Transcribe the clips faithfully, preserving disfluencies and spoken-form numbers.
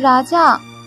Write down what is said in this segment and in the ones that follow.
রাজা।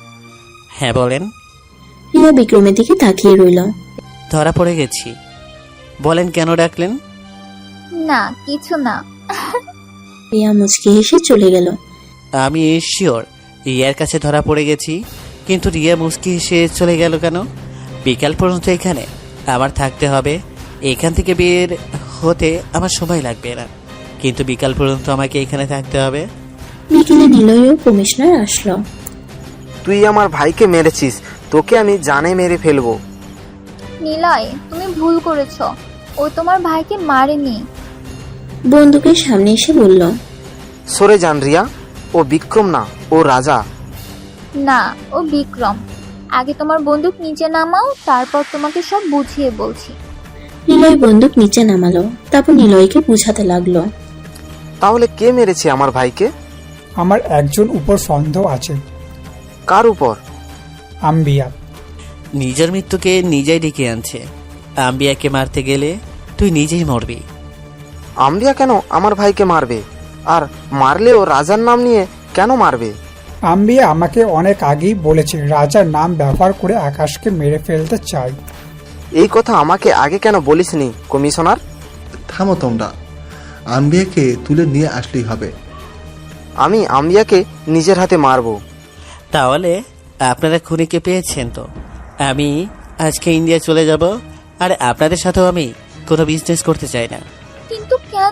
হ্যাঁ বলেন। রিয়া বিক্রমের দিকে তাকিয়ে রইল। ধরা পড়ে গেছি। বলেন কেন ডাকলেন? না কিছু না। রিয়া মুচকি হেসে চলে গেল। আমি শিওর রিয়ার কাছে ধরা পড়ে গেছি, কিন্তু রিয়া মুচকি হেসে চলে গেল কেন? বিকাল পর্যন্ত এখানে আমার থাকতে হবে। এখান থেকে বের হতে আমার সময় লাগবে না, কিন্তু বিকাল পর্যন্ত আমাকে এখানে থাকতে হবে। বিকেলে নিলয় ও কমিশনার আসলো। তুই আমার ভাইকে মেরেছিস, তোকে আমি জানে মেরে ফেলবো। নিলয়, তুমি ভুল করেছো। ও তোমার ভাইকে মারেনি। বন্দুকের সামনে এসে বলল, সরে যান রিয়া, ও বিক্রম না, ও রাজা। না, ও বিক্রম। আগে তোমার বন্দুক নিচে নামাও, তারপর তোমাকে সব বুঝিয়ে বলছি। নিলয় বন্দুক নিচে নামালো, তারপর নিলয়কে বুঝাতে লাগলো। তাহলে কে মেরেছে আমার ভাইকে? আমার একজন উপর সন্দেহ আছে। কার উপর? আম্বিয়া। নিজের মৃত্যুকে নিজেই ডেকে আনছে। আম্বিয়াকে মারতে গেলে তুই নিজেই মরবি। আম্বিয়া কেন আমার ভাইকে মারবে? আর মারলেও রাজার নাম নিয়ে কেন মারবে? আম্বিয়া আমাকে অনেক আগেই বলেছে রাজার নাম ব্যবহার করে আকাশকে মেরে ফেলতে চাই। এই কথা আমাকে আগে কেন বলিসনি কমিশনার? থামো তোমরা, আম্বিয়াকে তুলে নিয়ে আসলেই হবে। আমি আম্বিয়াকে নিজের হাতে মারবো। তাহলে আপনারা খুনিকে পেয়েছেন তো? আমি আজকে ইন্ডিয়া চলে যাব, আর আপনাদের সাথেও আমি কোনো বিজনেস করতে চাই না। কিন্তু কেন?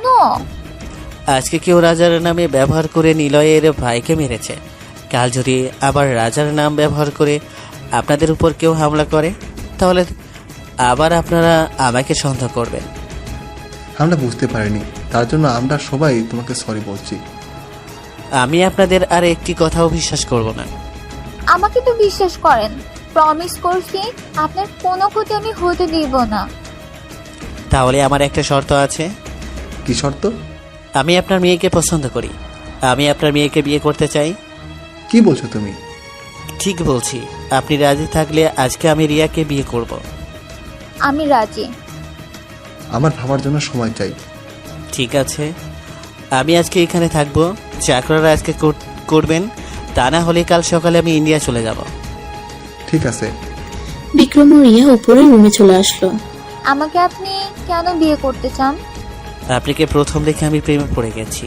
আজকে কেউ রাজার নামে ব্যবহার করে নিলয়ের ভাইকে মেরেছে। কাল যদি আবার রাজার নাম ব্যবহার করে আপনাদের উপর কেউ হামলা করে, তাহলে আবার আপনারা আমাকে সন্দেহ করবেন। আমরা বুঝতে পারিনি, তার জন্য আমরা সবাই তোমাকে সরি বলছি। আমি আপনাদের আর একটি কথাও বিশ্বাস করব না। আমাকে তো বিশ্বাস করেন। প্রমিস করছি আপনার কোনো ক্ষতি আমি হতে দিব না। তাহলে আমার একটা শর্ত আছে। কি শর্ত? আমি আপনার মেয়েকে পছন্দ করি। আমি আপনার মেয়েকে বিয়ে করতে চাই। কি বলছো তুমি? ঠিক বলছি। আপনি রাজি থাকলে আজকে আমি রিয়াকে বিয়ে করব। আমি রাজি। আমার ভাবার জন্য সময় চাই। ঠিক আছে, আমি আজকে এখানে থাকবো। চাকরারা আজকে করবেন, তা না হলে কাল সকালে আমি ইন্ডিয়া চলে যাব। ঠিক আছে। বিক্রম ও রিয়া উপরে রুমে চলে আসলো। আমাকে আপনি কেন বিয়ে করতে চান? আপনাকে প্রথম দেখে আমি প্রেমে পড়ে গেছি।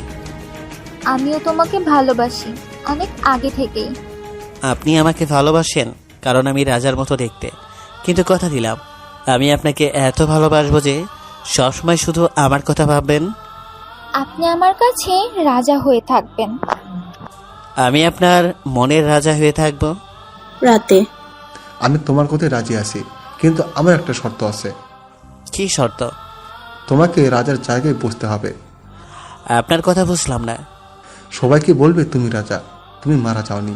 আমিও তোমাকে ভালোবাসি, অনেক আগে থেকেই। আপনি আমাকে ভালোবাসেন কারণ আমি রাজার মতো দেখতে, কিন্তু কথা দিলাম আমি আপনাকে এত ভালোবাসবো যে সবসময় শুধু আমার কথা ভাববেন। আপনি আমার কাছে রাজা হয়ে থাকবেন। আমি আপনার মনের রাজা হয়ে থাকব। রাতে আমি তোমার কথায় রাজি আছি, কিন্তু আমার একটা শর্ত আছে। কি শর্ত? তোমাকে রাজার জায়গায় বসতে হবে। আপনার কথা বুঝলাম না। সবাইকে বলবে তুমি রাজা, তুমি মারা যাওনি।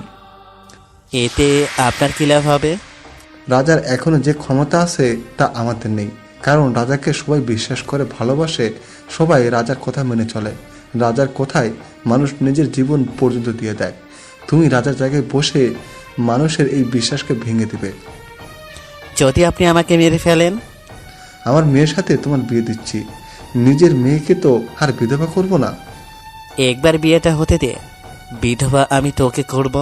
এতে আপনার কি লাভ হবে? রাজার এখনো যে ক্ষমতা আছে তা আমাদের নেই, কারণ রাজাকে সবাই বিশ্বাস করে, ভালোবাসে। সবাই রাজার কথা মেনে চলে। রাজার কথায় মানুষ নিজের জীবন পর্যন্ত দিয়ে দেয়। তুমি রাজার জায়গায় বসে মানুষের এই বিশ্বাসকে ভেঙে দিবে। যদি আপনি আমাকে মেরে ফেলেন? আমার মেয়ের সাথে তোমার বিয়ে দিচ্ছি। নিজের মেয়েকে তো আর বিধবা করব না। একবার বিয়েটা হতে দে, বিধবা আমি তোকে করব।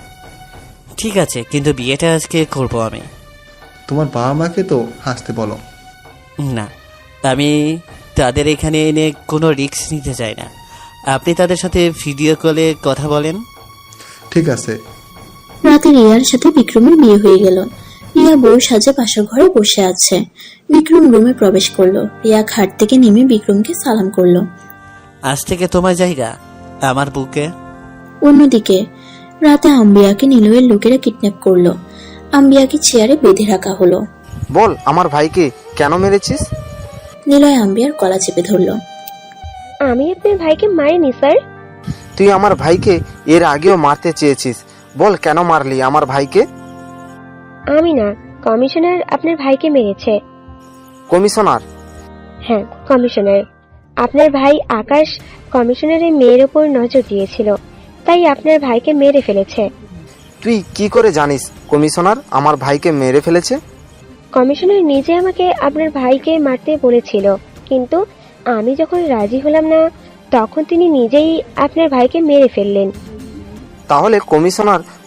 ঠিক আছে, কিন্তু বিয়েটা আজকে করব আমি। তোমার বাবা মাকে তো হাসতে বলো। না, আমি তাদের এখানে এনে কোনো রিস্ক নিতে চাই না। আপনি তাদের সাথে ভিডিও কলে কথা বলেন। ঠিক আছে। রাতে রিয়ার সাথে বিক্রমের বিয়ে হয়ে গেল। রিয়া বউ সাজে পাশের ঘরে বসে আছে। বিক্রম রুমে প্রবেশ করলো। রিয়া খাট থেকে নেমে বিক্রমকে সালাম করলো। আজ থেকে তোমার জায়গা আমার বুকে। অন্যদিকে রাতে আম্বিয়াকে নিলয়ের লোকেরা কিডন্যাপ করলো। আম্বিয়াকে চেয়ারে বেঁধে রাখা হলো। বল আমার ভাইকে কেন মেরেছিস? নিলয় আম্বিয়ার গলা চেপে ধরলো। আমি আপনার ভাইকে মারিনি স্যার। তুই আমার ভাইকে এর আগেও মারতে চেয়েছিস, বল কেন মারলি আমার ভাইকে? আমি না, কমিশনার আপনার ভাইকে মেরেছে। কমিশনার? হ্যাঁ, কমিশনার। আপনার ভাই আকাশ কমিশনারের মেয়ের উপর নজর দিয়েছিল, তাই আপনার ভাইকে মেরে ফেলেছে। তুই কি করে জানিস কমিশনার আমার ভাইকে মেরে ফেলেছে? কমিশনার নিজে আমাকে আপনার ভাইকে মারতে বলেছিল, কিন্তু আমি যখন রাজি হলাম না তখন তিনি নিজেই আপনার ভাইকে মেরে ফেললেন। তাহলে কমিশনার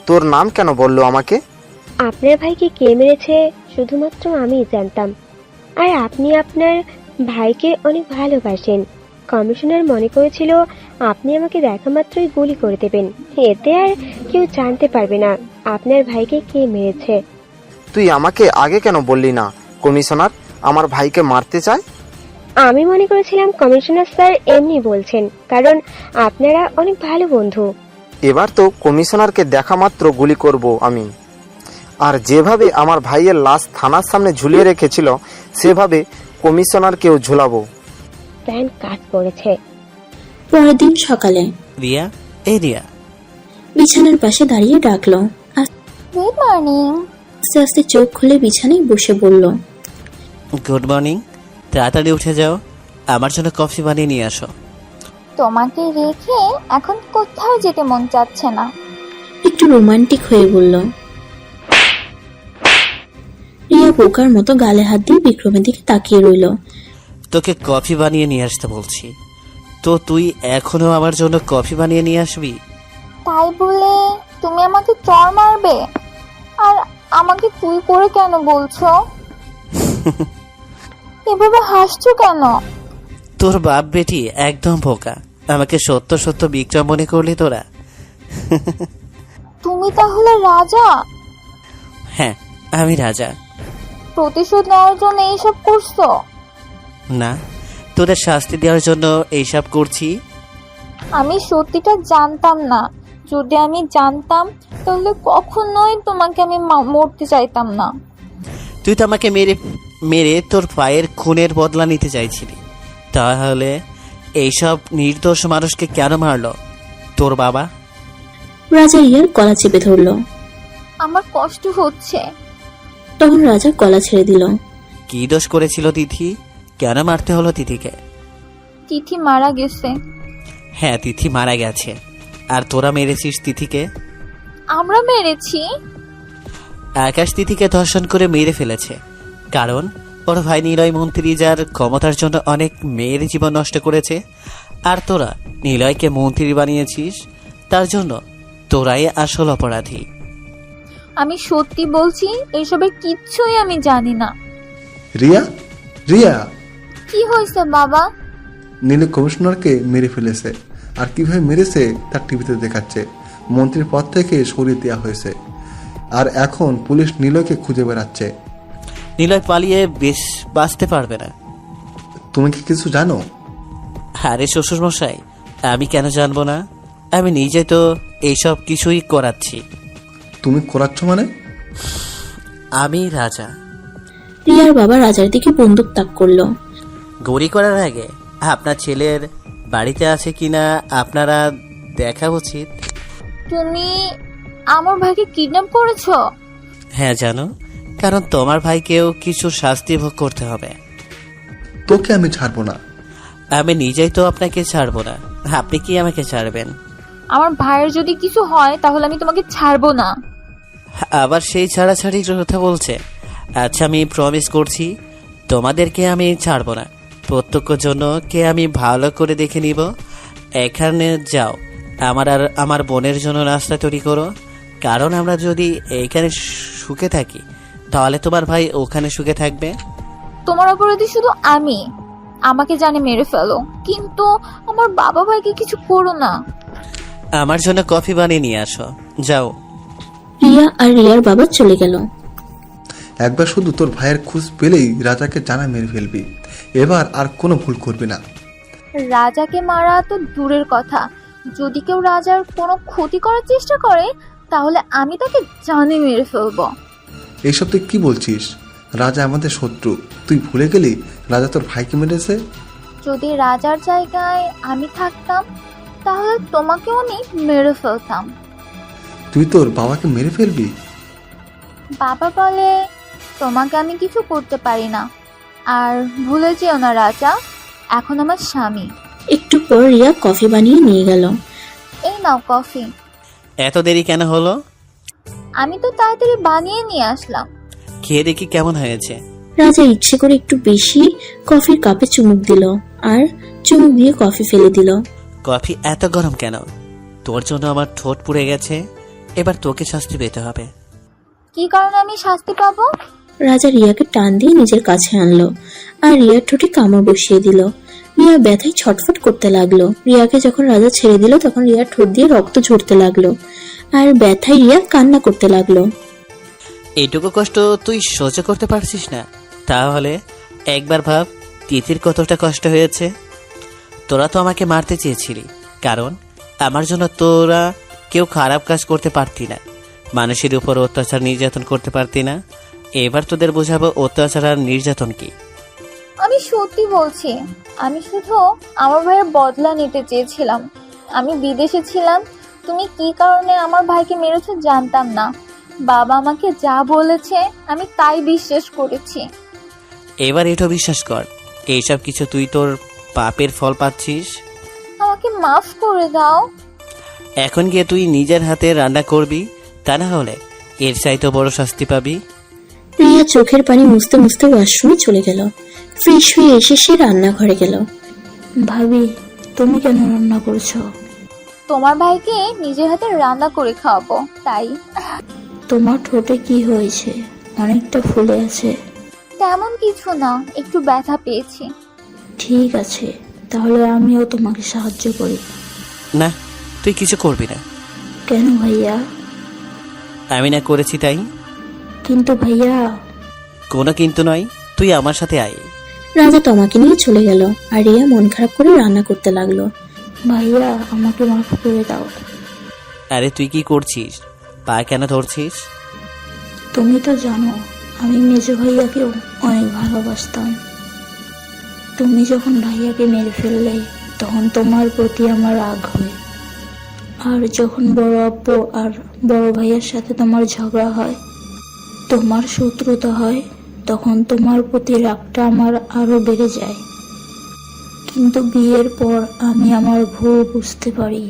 তোর নাম কেন বললো আমাকে? আপনার ভাইকে কে মেরেছে শুধুমাত্র আমিই জানতাম। আর আপনি আপনার ভাইকে অনেক ভালোবাসেন। কমিশনার মনে করেছিল আপনি আমাকে দেখা মাত্রই গুলি করে দেবেন, এতে আর কেউ জানতে পারবে না আপনার ভাইকে কে মেরেছে। তুই আমাকে আগে কেন বললি না কমিশনার আমার ভাইকে মারতে চায়? আমি মনে করেছিলাম কমিশনার স্যার এমনি বলছেন, কারণ আপনারা অনেক ভালো বন্ধু। এবার তো কমিশনারকে দেখা মাত্র গুলি করব আমি। আর যেভাবে আমার ভাইয়ের লাশ থানার সামনে ঝুলিয়ে রেখেছিল সেভাবে কমিশনারকেও ঝুলাবো। প্ল্যান কাজ করেছে। পরের দিন সকালে রিয়া, এই রিয়া। বিছানার পাশে দাঁড়িয়ে ডাকলো। Good morning. আস্তে আস্তে চোখ খুলে বিছানায় বসে বলল, গুড মর্নিং। তাড়াতাড়ি উঠে যাও, আমার জন্য কফি বানিয়ে নিয়ে আসো। তোমাকে রেখে এখন কোথাও যেতে মন চাচ্ছে না। একটু রোমান্টিক হয়ে বলল। রিয়া বোকার মতো গালে হাত দিয়ে বিক্রমের দিকে তাকিয়ে রইল। তোকে কফি বানিয়ে নিয়ে আসতে বলছি, তো তুই এখনো আমার জন্য কফি বানিয়ে নিয়ে আসবি? তাই বলে তুমি আমাকে চর মারবে? আর আমাকে তুই করে কেন বলছো? এভাবে হাসছো কেন? তোর বাপ বেটি একদম বোকা, আমাকে সত্য সত্য বিক্রম মনে করলি তোরা? তুমি তাহলে রাজা? হ্যাঁ, আমি রাজা। প্রতিশোধ নেওয়ার জন্য এইসব করছো? না, তোদের শাস্তি দেওয়ার জন্য এইসব করছি। আমি সত্যিটা জানতাম না। যদি আমি জানতাম তাহলে কখনোই তোমাকে আমি মা- মরতে চাইতাম না। তুই তো আমাকে মেরে মেরে তোর পায়ের খুনের বদলা নিতে চাইছিলি, তাহলে এইসব নির্দোষ মানুষকে কেন মারলো তোর বাবা? রাজা রিয়ার গলা চেপে ধরল। আমার কষ্ট হচ্ছে। তখন রাজা গলা ছেড়ে দিল। কি দোষ করেছিল তিথি? কেন মারতে হলো তিথিকে? তিথি মারা গেছে। হ্যাঁ, তিথি মারা গেছে, আর তোরা মেরেছিস তিথিকে। আমরা মেরেছি? আকাশ তিথিকে ধর্ষণ করে মেরে ফেলেছে, কারণ ওর ভাই নিলয় মন্ত্রী যার ক্ষমতার জন্য অনেক মেয়ের জীবন নষ্ট করেছে, আর তোরা নিলয়কে মন্ত্রী বানিয়েছিস, তার জন্য তোরাই আসল অপরাধী। আমি সত্যি বলছি, এসবের কিচ্ছুই আমি জানি না। রিয়া, রিয়া, কি হয়েছে বাবা? নীল কমিশনারকে মেরে ফেলেছে, আর কিভাবে মেরেছে তার টিভিতে দেখাচ্ছে। মন্ত্রীর পদ থেকে সরিয়ে দেওয়া হয়েছে, আর এখন পুলিশ নীলকে খুঁজে বেড়াচ্ছে। নিলয় পালিয়ে বেশ বাঁচতে পারবে না। তুমি কি কিছু জানো? আরে শ্বশুর মশাই, আমি কেন জানবো না? আমি নিজে তো এইসব কিছুই করাচ্ছি। তুমি করাচ্ছ মানে? আমি রাজা। রিয়ার বাবা রাজার দিকে বন্দুক তাক করলো। গড়ি করার আগে আপনার ছেলের বাড়িতে আছে কিনা আপনারা দেখা উচিত। তুমি আমার ভাইকে কিডন্যাপ করেছো? হ্যাঁ জানো, কারণ তোমার ভাইকেও কিছু শাস্তি ভোগ করতে হবে। তোকে আমি ছাড়বো না। আমি নিজেই তো আপনাকে ছাড়বো না, আপনি কি আমাকে ছাড়বেন? আমার ভাইয়ের যদি কিছু হয় তাহলে আমি তোমাকে ছাড়বো না। আবার সেই ছাড়াছাড়ির কথা বলছে। আচ্ছা, আমি প্রমিস করছি তোমাদেরকে আমি ছাড়বো না। প্রত্যক্ষ জন্য কে আমি ভালো করে দেখে নিব। এখানে যাও, আমার আর আমার বোনের জন্য নাস্তা তৈরি করো, কারণ আমরা যদি এইখানে সুখে থাকি তাহলে তোমার ভাই ওখানে সুখে থাকবে। তোমার অপরাধী শুধু আমি। আমাকে জানে মেরে ফেলো, কিন্তু আমার বাবা ভাইকে কিছু করো না। আমার জন্য কফি বানিয়ে নিয়ে আসো, যাও। রিয়া আর রিয়ার বাবা চলে গেল। একবার শুধু তোর ভাইয়ের খোঁজ পেলেই রাজাকে জানা মেরে ফেলবি। এবার আর কোনো ভুল করবি না। রাজাকে মারা তো দূরের কথা, যদি কেউ রাজার কোনো ক্ষতি করার চেষ্টা করে তাহলে আমি তাকে জানে মেরে ফেলবো। এইসব তুই কি বলছিস? রাজা আমাদের শত্রু, তুই ভুলে গেলি রাজা তোর ভাইকে মেরেছে। যদি রাজার জায়গায় আমি থাকতাম তাহলে তোমাকেও আমি মেরে ফেলতাম। তুই তোর বাবাকে মেরে ফেলবি? বাবা বলে তোমাকে আমি কিছু করতে পারি না। আর ভুলে যেও না রাজা, এখন আমার স্বামী। একটু পর রিয়া কফি বানিয়ে নিয়ে গেল। এই নাও কফি। এত দেরি কেন হলো? আমি তো তাড়াতাড়ি বানিয়ে নিয়ে আসলাম। খেয়ে দেখি কেমন হয়েছে। রাজা ইচ্ছে করে একটু বেশি কফির কাপে চুমুক দিল, আর চুমুক দিয়ে কফি ফেলে দিল। কফি এত গরম কেন? তোর জন্য আমার ঠোঁট পুড়ে গেছে, এবার তোকে শাস্তি পেতে হবে। কি কারণে আমি শাস্তি পাবো? রাজা রিয়াকে টান দিয়ে নিজের কাছে আনলো আর রিয়ার ঠোঁটে কামড় বসিয়ে দিল। রিয়া ব্যথায় ছটফট করতে লাগলো। রিয়াকে যখন রাজা ছেড়ে দিল তখন রিয়ার ঠোঁট দিয়ে রক্ত ঝরতে লাগলো আর ব্যথায় রিয়া কান্না করতে লাগলো। এইটুকু কষ্ট তুই সহ্য করতে পারছিস না? তাহলে একবার ভাব তিথির কতটা কষ্ট হয়েছে। তোরা তো আমাকে মারতে চেয়েছিলি, কারণ আমার জন্য তোরা কেউ খারাপ কাজ করতে পারতি না, মানুষের উপর অত্যাচার নির্যাতন করতে পারতি না। এবার তোদের বোঝাবো অত্যাচার আর নির্যাতন কি। আমি সত্যি বলছি, আমি শুধু আমার ভাইয়ের বদলা নিতে চেয়েছিলাম। আমি বিদেশে ছিলাম, তুমি কি কারণে আমার ভাইকে মেরেছো জানতাম না। বাবা আমাকে যা বলেছে আমি তাই বিশ্বাস করেছি। এবার এটাও বিশ্বাস কর এইসব কিছু তুই তোর পাপের ফল পাচ্ছিস। আমাকে মাফ করে দাও। এখন গিয়ে তুই নিজের হাতে রান্না করবি, তা না হলে এর চাইতে বড় শাস্তি পাবি। রিয়া চোখের পানি মুছতে মুছতে ওয়াশরুমে চলে গেল। ফ্রেশ হয়ে এসে সে রান্নাঘরে গেল। ভাবি, তুমি কেন রান্না করছো? তোমার ভাইকে নিজের হাতে রান্না করে খাওয়াবো তাই। তোমার ঠোঁটে কি হয়েছে? অনেকটা ফুলে আছে। তেমন কিছু না, একটু ব্যথা পেয়েছি। ঠিক আছে, তাহলে আমিও তোমাকে সাহায্য করি। না, তুই কিছু করবি না। কেন ভাইয়া? আমি না করেছি তাই। কিন্তু ভাইয়া। কোনো কিন্তু নয়, তুই আমার সাথে আয়। রাজা তমাকে নিয়ে চলে গেল আর রিয়া মন খারাপ করে রান্না করতে লাগলো। ভাইয়া, আমাকে মাফ করে দাও। আরে তুই কি করছিস? পা কেন ধরছিস? তুমি তো জানো আমি মেজো ভাইয়াকেও অনেক ভালোবাসতাম। তুমি যখন ভাইয়াকে মেরে ফেললে তখন তোমার প্রতি আমার রাগ হয়, আর যখন বড় আব্বু আর বড় ভাইয়ার সাথে তোমার ঝগড়া হয়, তোমার শত্রুতা হয়, তখন তোমার প্রতি রাগটা আমার আরো বেড়ে যায়। কিন্তু বিয়ের পর আমি আমার ভুল বুঝতে পারি।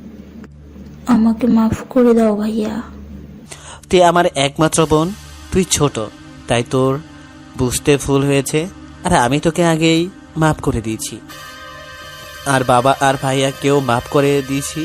আমাকে মাফ করে দাও ভাইয়া। তুই আমার একমাত্র বোন, তুই ছোট, তাই তোর বুঝতে ভুল হয়েছে। আর আমি তোকে আগেই মাফ করে দিয়েছি, আর বাবা আর ভাইয়া কেউ মাফ করে দিয়েছি।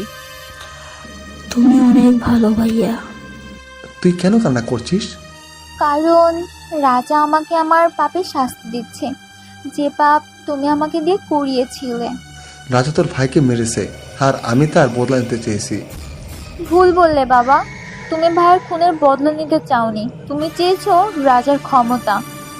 তুমি অনেক ভালো ভাইয়া। তুই কেন কান্না করছিস? কারণ রাজা আমাকে আমার পাপের শাস্তি দিচ্ছে, যে পাপ তুমি আমাকে দিয়ে করিয়েছিলে। রাজা তোর ভাইকে মেরেছে আর আমি তার বদলা নিতে চেয়েছি। ভুল বললে বাবা, তুমি ভাইয়ের খুনের বদলা নিতে চাওনি, তুমি চেয়েছো রাজার ক্ষমতা।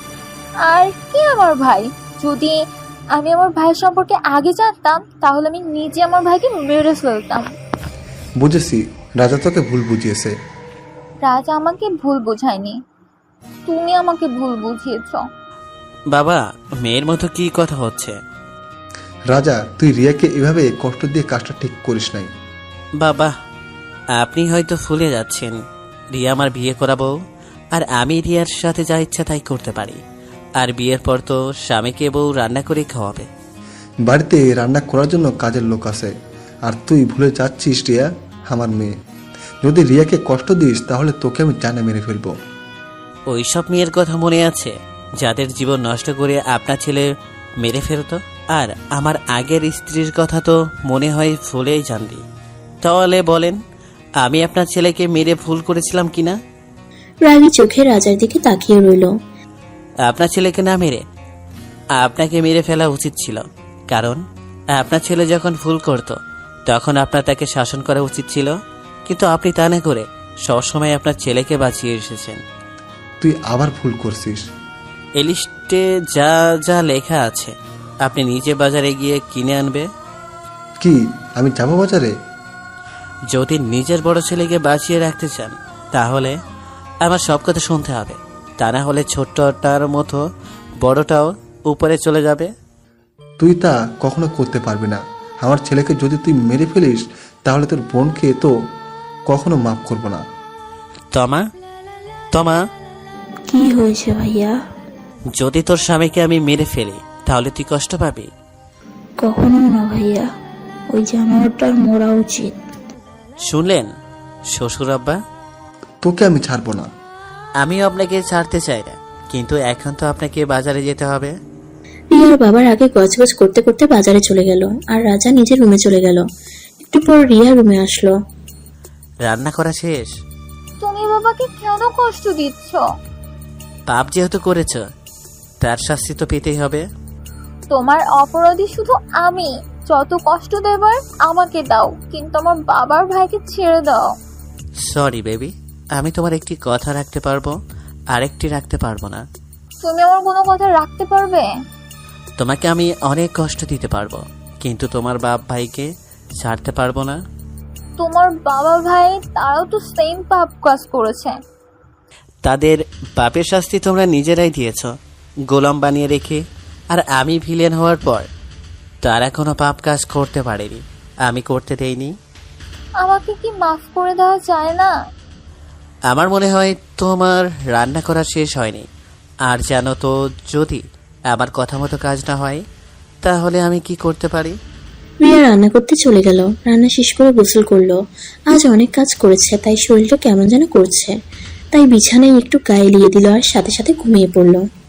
আর কি আমার ভাই, যদি আমি আমার ভাই সম্পর্কে আগে জানতাম তাহলে আমি নিজে আমার ভাইকে মেরে ফেলতাম। বুঝেছি, রাজা তোকে ভুল বুঝিয়েছে। রাজা আমাকে ভুল বোঝায়নি, তুমি আমাকে ভুল বুঝিয়েছ। বাবা, মেয়ের মতো কি কথা হচ্ছে? রাজা, তুই রিয়াকে এভাবে কষ্ট দিয়ে কাজটা ঠিক করিস নাই। বাবা, আপনি হয়তো ভুলে যাচ্ছেন, রিয়া আমার বিয়ে করাবো, আর আমি রিয়ার সাথে যা ইচ্ছা তাই করতে পারি। আর বিয়ের পর তো স্বামীকে বউ রান্না করে খাওয়াবে। বাড়িতে রান্না করার জন্য কাজের লোক আছে, আর তুই ভুলে যাচ্ছিস রিয়া আমার মেয়ে। যদি রিয়াকে কষ্ট দিস তাহলে তোকে আমি জানে মেরে ফেলবো। ওইসব মেয়ের কথা মনে আছে যাদের জীবন নষ্ট করে আপনার ছেলে মেরে ফেলতো? আর আমার আগের স্ত্রীর কথা তো মনে হয় ভুলেই জানবি। তাহলে বলেন, আমি আপনার ছেলেকে মেরে ভুল করেছিলাম কিনা? রাগী চোখে রাজার দিকে তাকিয়ে রইল। আপনার ছেলেকে না মেরে আপনাকে মেরে ফেলা উচিত ছিল, কারণ আপনার ছেলে যখন ভুল করত তখন আপনার তাকে শাসন করা উচিত ছিল, কিন্তু আপনি তা না করে সবসময় আপনার ছেলেকে বাঁচিয়ে এসেছেন। তুই আবার ভুল করছিস। এই লিস্টে যা যা লেখা আছে আপনি নিজে বাজারে গিয়ে কিনে আনবে। কি আমি যাবো বাজারে? যদি নিজের বড় ছেলেকে বাঁচিয়ে রাখতে চান তাহলে আমার সব কথা শুনতে হবে, তা না হলে ছোট্টটার মতো বড়টাও উপরে চলে যাবে। তুই তা কখনো করতে পারবি না। আমার ছেলেকে যদি তুই মেরে ফেলিস তাহলে তোর বোনকে তো কখনো মাফ করবো না। তমা তমা কি হয়েছে ভাইয়া? যদি তোর স্বামীকে আমি মেরে ফেলি তাহলে তুই কষ্ট পাবি? কখনো না ভাইয়া, ওই জানোয়ারটার মরা উচিত। শুনলেন শ্বশুর আব্বা? তোকে আমি ছাড়বো না। আমিও আপনাকে ছাড়তে চাই না, কিন্তু এখন তো আপনাকে বাজারে যেতে হবে। রিয়ার বাবার আগে গজগজ করতে করতে বাজারে চলে গেল আর রাজা নিজের রুমে চলে গেল। একটু পর রিয়া রুমে আসলো। রান্না করা শেষ। তুমি বাবাকে কেন কষ্ট দিচ্ছ? পাপ যেহেতু করেছ, তার শাস্তি তো পেতেই হবে। তোমার অপরাধী শুধু আমি। যত কষ্ট দেবার আমাকে দাও, কিন্তু আমার বাবার ভাইকে ছেড়ে দাও। সরি বেবি, আমি তোমার একটি কথা রাখতে পারবো, আরেকটি রাখতে পারবো না। তুমি আমার কোনো কথা রাখতে পারবে? তোমাকে আমি অনেক কষ্ট দিতে পারবো, কিন্তু তোমার বাপ ভাইকে ছাড়তে পারবো না। তোমার বাবা ভাই তারাও তো সেম পাপ কাজ করেছে। তাদের পাপের শাস্তি তোমরা নিজেরাই দিয়েছ, গোলাম বানিয়ে রেখে। আর আমি ভিলেন হওয়ার পর তারা কোনো পাপ কাজ করতে পারেনি, আমি করতে দেইনি। আমাকে কি মাফ করে দেওয়া যায় না? আমার মনে হয় তোমার রান্না করা শেষ হয়নি। আর জানো তো, যদি আমার কথা মতো কাজ না হয় তাহলে আমি কি করতে পারি? রিয়া রান্না করতে চলে গেল। রান্না শেষ করে গোসল করলো। আজ অনেক কাজ করেছে, তাই শরীরটা কেমন যেন করছে। তাই বিছানায় একটু গায়ে লিয়ে দিল আর সাথে সাথে ঘুমিয়ে পড়লো।